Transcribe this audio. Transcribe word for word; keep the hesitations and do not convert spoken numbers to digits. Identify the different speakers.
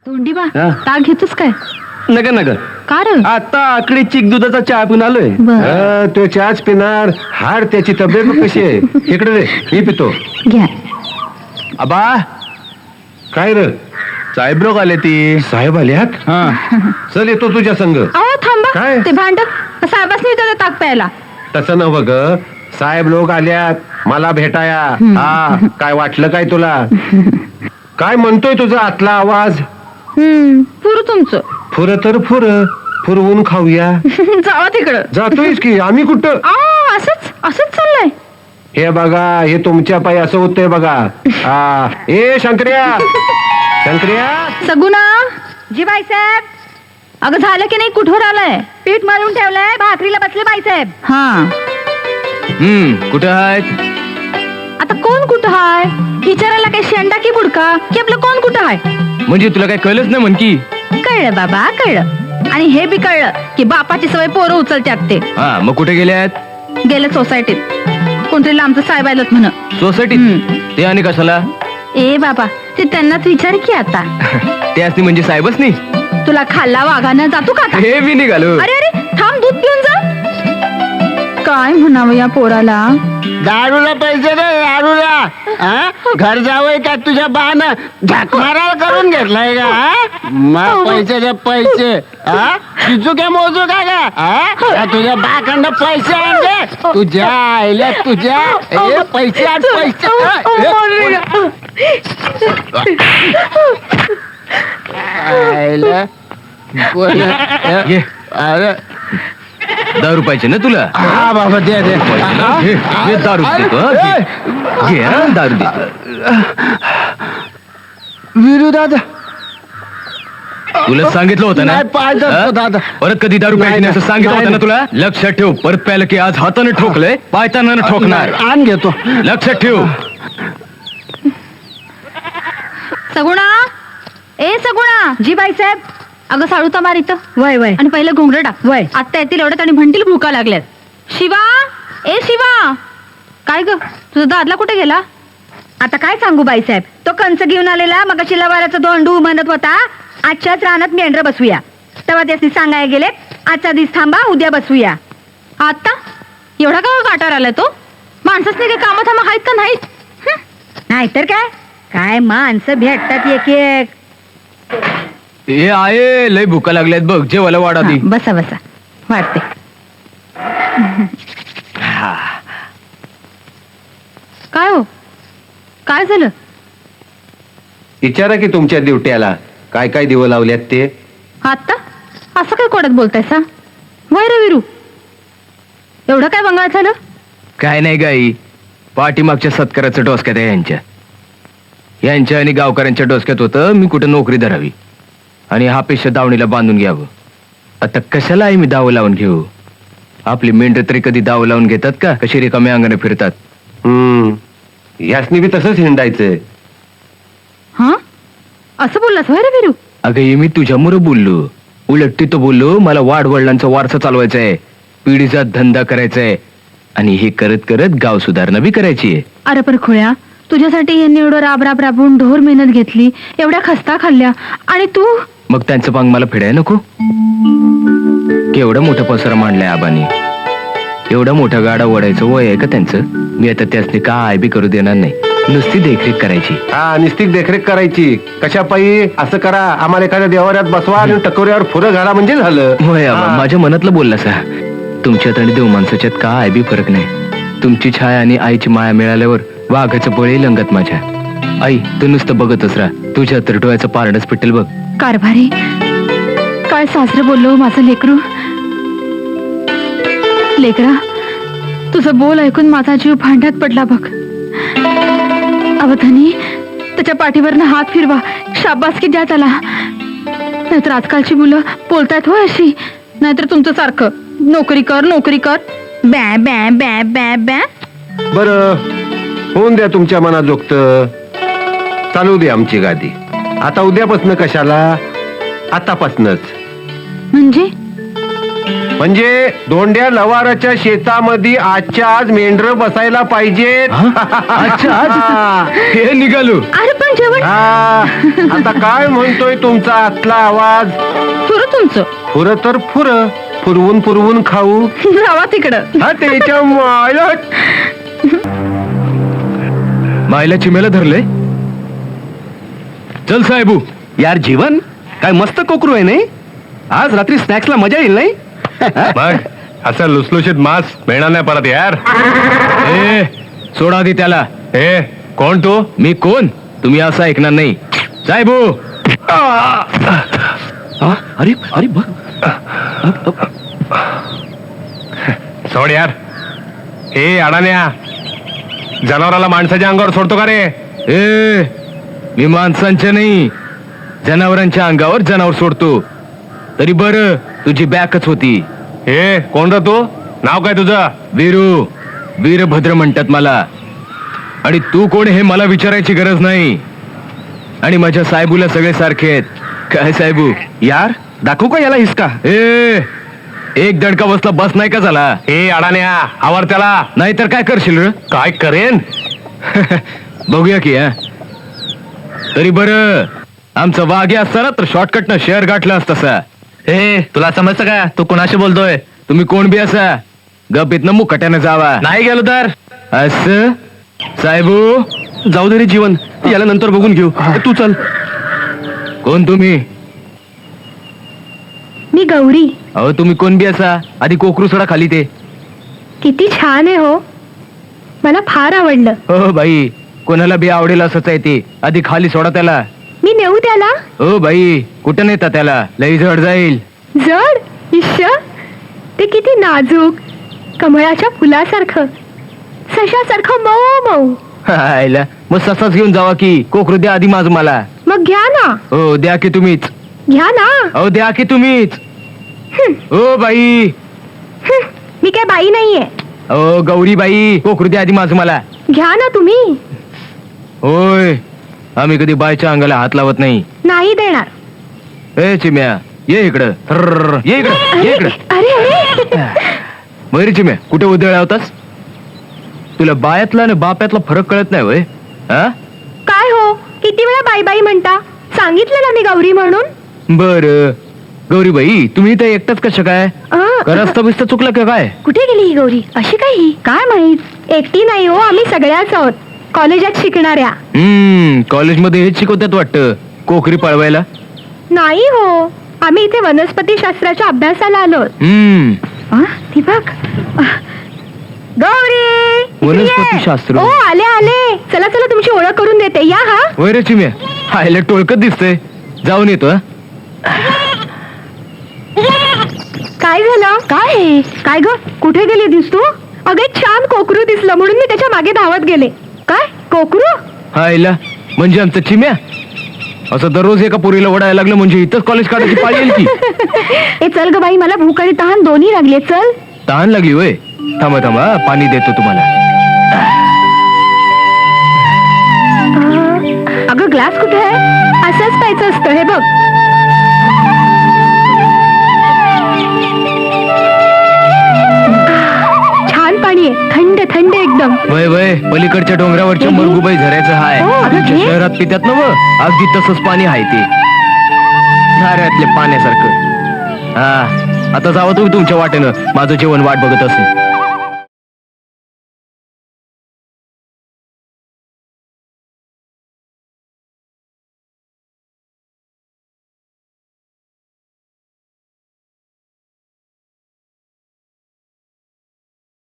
Speaker 1: तोंडीबा
Speaker 2: हा?
Speaker 1: ताक घेतोस काय?
Speaker 2: नका नका
Speaker 1: का रे?
Speaker 2: आता आकडे चिक दुधाचा चहा पिऊन आलोय.
Speaker 1: बरं.
Speaker 3: हा, तो चहाच पिणार. हाड त्याची तब्येत बघ कशी आहे. इकडे रे, मी पितो.
Speaker 1: घ्या.
Speaker 2: आबा
Speaker 3: काय र
Speaker 2: साहेब लोक आले ती.
Speaker 3: साहेब आल्यात?
Speaker 2: हा
Speaker 3: चल येतो तुझ्या संग.
Speaker 1: अहो थांबा.
Speaker 3: काय?
Speaker 1: ते भांड साहेबांनी विचारलं ताक प्यायला.
Speaker 3: तसं नव्ह ग, साहेब लोक आल्यात मला भेटाया. हा, काय वाटलं काय तुला? काय म्हणतोय तुझा आतला आवाज?
Speaker 1: हम्म पुरं तुमचं.
Speaker 3: फुर तर फुर फुरवून खाऊया.
Speaker 1: जावा तिकडं.
Speaker 3: जातोयस की आम्ही कुठं?
Speaker 1: आ, असंच असंच चाललंय.
Speaker 3: हे बघा, हे तुमच्या पायी असं होतंय बघा. हा, ए शंकर्या, शंकर्या.
Speaker 1: सगुना. जी बाईसाहेब. अगं झालं की नाही? कुठवर आलंय? पीठ मळून ठेवलंय, भाकरीला बसले बाईसाहेब. हा
Speaker 2: हम्म कुठं आहेत?
Speaker 1: आता कोण कुठं हाय? विचारायला काय शेंडा की बुडका की आपलं कोण कुठं हाय?
Speaker 2: म्हणजे तुला काय कळलंच नाही म्हण की.
Speaker 1: कळलं बाबा, कळलं. आणि हे बी कळलं की बापाची सवय पोरं उचलत्यात ते.
Speaker 2: हा मग कुठे गेले आहेत?
Speaker 1: गेलं सोसायटीत. कोणतरी लांबचं साहेब आलत म्हण.
Speaker 2: सोसायटीत.
Speaker 1: हम्म.
Speaker 2: ते आणि कशाला?
Speaker 1: ए बाबा, ते त्यांनाच विचार की आता.
Speaker 2: ते असते म्हणजे साहेबच नाही.
Speaker 1: तुला खाल्ला वाघानं जातो का आता?
Speaker 2: हे बी निघालो.
Speaker 1: अरे अरे थांब, दूध पिऊन जा. काय म्हणावं या पोराला?
Speaker 4: दारूला पैसे दे, दारूला. हा? घर जावंय का तुझ्या बाण झकमारा करून घेतलाय का? हा? मग पैसे दे पैसे. हा? शिजू काय मोजू का गा? हा? का तुझ्या बाकडनं पैसे आणले तुझ्या आईला तुझ्या ए, पैसे आण पैसे. आईला कोण-
Speaker 2: ये.
Speaker 4: अरे
Speaker 2: दहा रुपयाचे ना तुला?
Speaker 4: हा बाबा दे दे.
Speaker 2: हे, हे दारू देतो हा, घे. घे हा, दारू देतो.
Speaker 4: विरू दादा
Speaker 2: तुला सांगितलं होतं ना?
Speaker 4: नाही, पाय धरतो
Speaker 2: हा?
Speaker 4: दादा.
Speaker 2: परत कधी दारू प्यायची नाही असं सांगितलं
Speaker 4: नाही,
Speaker 2: होतं ना तुला? लक्षात ठेव, परत प्यायला की आज हाताने ठोकलंय, पायताना ठोकणार.
Speaker 4: आण घेतो.
Speaker 2: लक्षात ठेव.
Speaker 1: सगुणा. ए सगुणा. जी बाईसाहेब. अगं साळू तर मार इथं. वय वय. आणि पहिलं घोंगडं टाक. वय. आता येतील एवढ्यात आणि म्हणतील भूका लागल्यात. शिवा. ए शिवा. काय ग, तुझा दादला कुठे गेला? आता काय सांगू बाईसाहेब, तो कंच घेऊन आलेला मग शिलावाराचा दोंडू म्हणत होता आजच्याच रानात मेंढर बसवूया. तेव्हा त्यासनी सांगायला गेले आजचा दिवस थांबा, उद्या बसवूया. आता एवढा का काटावर आलाय तो? माणसंच नाही काय कामं थांबा आहेत का नाहीत? नाहीतर काय काय माणसं भेटतात एक एक.
Speaker 2: हे आहे, लय भूका लागल्यात बघ, जेवायला वाढा ती.
Speaker 1: हा, बसा बसा वाटते. काय हो, काय झालं?
Speaker 3: विचारा की तुमच्या ड्युट्याला काय काय दिवं लावल्यात ते.
Speaker 1: आता असं काय कोड्यात बोलतायसा? वय रे विरू, एवढं काय बंगाळ झालं?
Speaker 2: काय नाही गाई, पाठीमागच्या सत्काराचं डोसक्यात आहे यांच्या. यांच्या आणि गावकऱ्यांच्या डोसक्यात होतं मी कुठं नोकरी धरावी आणि हा पेशा दावणीला बांधून घ्यावं. आता कशाला आहे मी दावं लावून घेऊ? आपली मेंढर तरी कधी दावं लावून घेतात का? कशी रिकाम्या अंगाने फिरतात.
Speaker 3: हम्म, यासनी बी तसंच हिंडायचंय.
Speaker 1: हा, असं बोललास वय रे विरू?
Speaker 2: अगं हे मी तुझ्यामुळं बोललो. उलट तो बोललो मला वाडवडिलांचा वारसा चालवायचा आहे, पिढीचा धंदा करायचा आहे आणि हे करत करत गाव सुधारणा बी करायची आहे.
Speaker 1: अरे पर खुळ्या, तुझ्यासाठी यांनी एवढं राब राब राबून ढोर मेहनत घेतली, एवढ्या खस्ता खाल्ल्या आणि तू.
Speaker 2: मग त्यांचं पांग मला फेडाय नको? केवढा मोठा पसरा मांडलाय आबानी, एवढा मोठा गाडा ओढायचं वय आहे का त्यांचं? मी आता त्यासनी काय बी करू देणार नाही, नुसती देखरेख करायची.
Speaker 3: हा, निस्तिक देखरेख करायची. कशा पायी? असं करा, आम्हाला एखाद्या देवाऱ्यात बसवा आणि टकोऱ्यावर फुरं घाला म्हणजे झालं.
Speaker 2: होय आबा,
Speaker 3: हा.
Speaker 2: माझ्या मनातलं बोलला सा. तुमच्यात आणि देव माणसाच्यात काय बी फरक नाही. तुमची छाया आणि आईची माया मिळाल्यावर वाघाचं बळी लंगत माझ्या. आई तू नुसतं बघतच राहा, तुझ्या तर डोळ्याचं पारणच पिटेल बघ.
Speaker 1: कारभारी, काय सासरं बोललो माझं लेकरू. लेकरा, तुझं बोल ऐकून माझा जीव भांड्यात पडला बघ. अवधानी, त्याच्या पाठीवरनं हात फिरवा, शाबासकी द्या त्याला. नाहीतर आजकालची मुलं बोलतायत हो अशी. नाहीतर तुमचं सारखं नोकरी कर नोकरी कर, बॅ बॅ बॅ बॅ बॅ.
Speaker 3: बरं, होऊन द्या तुमच्या मनाजोगत. चालू दे आमची गादी. आता उद्यापासनं कशाला, आतापासनच.
Speaker 1: म्हणजे
Speaker 3: म्हणजे दोंड्या लवाराच्या शेतामध्ये आजच्या आज मेंढर बसायला पाहिजेत.
Speaker 2: अच्छा आज हे निघालो.
Speaker 1: अरे पण जेवण
Speaker 3: हा, आता काय म्हणतोय तुमचा आतला आवाज?
Speaker 1: सुरू तुमचं.
Speaker 3: फुर तर फुर फुरवून फुरवून खाऊ.
Speaker 1: जावा तिकडं.
Speaker 3: हा त्याच्या मायला
Speaker 2: मायला चिमेला धरले. चल साहेबू.
Speaker 5: यार जीवन काय मस्त कोकरू आहे नाही. आज रात्री स्नॅक्सला मजा येईल नाही.
Speaker 3: मग असं लुसलुशीत मांस मिळणार नाही परत यार.
Speaker 2: ए सोडा दे त्याला.
Speaker 3: ए कोण तू?
Speaker 2: मी कोण तुम्ही असं ऐकणार नाही साहेबू.
Speaker 5: हा, अरे अरे बघ.
Speaker 3: सोड यार. ए अडाण्या, जनावराला माणसाच्या अंगावर सोडतो का रे?
Speaker 2: ए मी माणसांच्या नाही जनावरांच्या अंगावर जनावर सोडतो. तरी बर तुझी बॅकच होती.
Speaker 3: ए कोण रे तू? नाव काय तुझं?
Speaker 2: वीरू वीरभद्र म्हणतात मला. आणि तू कोण हे मला विचारायची गरज नाही. आणि माझ्या साहेबूला सगळे सारखे आहेत. काय साहेबू?
Speaker 5: यार दाखवू का याला हिसका?
Speaker 2: ए एक दडका बसला बस नाही का झाला?
Speaker 3: ए अडाण्या, आवर त्याला.
Speaker 2: नाहीतर काय करशील र?
Speaker 3: काय करेन?
Speaker 2: बघूया की हा. तरी बर आमचा वाघ्या असता ना तर शॉर्टकट न शेअर गाठला असता सा.
Speaker 5: ए तुला समजतं का तू कोणाशी बोलतोय?
Speaker 2: तुम्ही कोण बी असा गपित न मुकट्यानं जावा.
Speaker 5: नाही गेलो तर
Speaker 2: असं साहेबू
Speaker 5: जाऊ दे रे जीवन, याला नंतर बघून घेऊ. तू चल.
Speaker 2: कोण तुम्ही?
Speaker 1: मी गौरी.
Speaker 2: अहो तुम्ही कोण बी असा आधी कोकरू सोडा खाली ते.
Speaker 1: किती छान आहे हो. मला फार आवडलं.
Speaker 2: हो बाई कोणाला बी आवडेल असंच आहे ते. आधी खाली सोडा त्याला.
Speaker 1: मी नेऊ त्याला.
Speaker 2: हो बाई कुठं नेता त्याला? लई जड जाईल.
Speaker 1: जड इश्श. ते किती नाजूक कमळाच्या फुलासारखं सशासारखं मऊ मऊ.
Speaker 2: हायला मग ससाच घेऊन जावा की. कोकरू द्या आधी माझ मला.
Speaker 1: मग घ्या ना.
Speaker 2: हो द्या की तुम्हीच.
Speaker 1: घ्या ना.
Speaker 2: हो द्या की तुम्हीच.
Speaker 1: हं,
Speaker 2: हो बाई.
Speaker 1: हं. मी काय बाई नाहीये.
Speaker 2: हो गौरी बाई कोकरू द्या आधी माझ मला.
Speaker 1: घ्या ना तुम्ही.
Speaker 2: होय आम्ही कधी बायच्या अंगाला हात लावत नाही.
Speaker 1: नाही देणार.
Speaker 2: ए चिम्या ये इकडं. थर्र, ये इकडं ये
Speaker 1: अरे
Speaker 2: इकडं.
Speaker 1: अरे अरे.
Speaker 2: मयुरी चिम्या कुठे उधळला होतास? तुला बायातला आणि बाप्यातला फरक कळत नाही वय? हा
Speaker 1: काय हो किती वेळा बाई बाई म्हणता? सांगितलं ना मी गौरी म्हणून.
Speaker 2: बर गौरीबाई तुम्ही तर एकटाच कसं काय?
Speaker 1: अं,
Speaker 2: का रस्ता बिस्ता चुकला का काय?
Speaker 1: कुठे गेली ही गौरी? अशी काय ही? काय माहित. एकटी नाही हो, आम्ही सगळ्याच आहोत कॉलेजात शिकणाऱ्या.
Speaker 2: हम्म कॉलेजमध्ये हेच शिकवतात वाटतं कोकरी पळवायला.
Speaker 1: नाही हो, आम्ही इथे वनस्पती शास्त्राच्या अभ्यासाला आलो.
Speaker 2: हम्म
Speaker 1: ती बघ. गौरी इकडे ये.
Speaker 2: वनस्पतीशास्त्र.
Speaker 1: ओ आले आले. चला चला तुमची ओळख करून देते. या हा.
Speaker 2: वय रे चिम्या हायला टोळकत दिसतंय. जाऊन येतो हा.
Speaker 1: काय झालं? काय हे? काय ग कुठे गेली दिस तू? अगे छान कोकरू दिसलं म्हणून मी त्याच्या मागे धावत गेले. काय कोकरू?
Speaker 2: हायला म्हणजे आमचं चिम्या असं दररोज एका पोरीला ओढायला लागलं म्हणजे इथंच कॉलेज काढायची पाळी येईल की.
Speaker 1: ए चल ग बाई, मला भूक आणि तहान दोन्ही लागले. चल.
Speaker 2: तहान लागली वय? थांबा थांबा पाणी देतो तुम्हाला.
Speaker 1: अं, अगं ग्लास कुठे आहे? असंच प्यायचं असतं हे बघ. छान पाणी आहे, थंड थंड एकदम.
Speaker 2: वय वय पलीकडच्या डोंगरावरच्या मरगुबाई झऱ्याचं हाय.
Speaker 1: हो, अगं
Speaker 2: तुमच्या
Speaker 1: घे.
Speaker 2: शहरात पितात ना व अगदी तसंच पाणी आहे ते झऱ्यातल्या पाण्यासारखं. हा आता जावं तुम्ही तुमच्या वाटेनं. माझं जेवण वाट बघत असेल.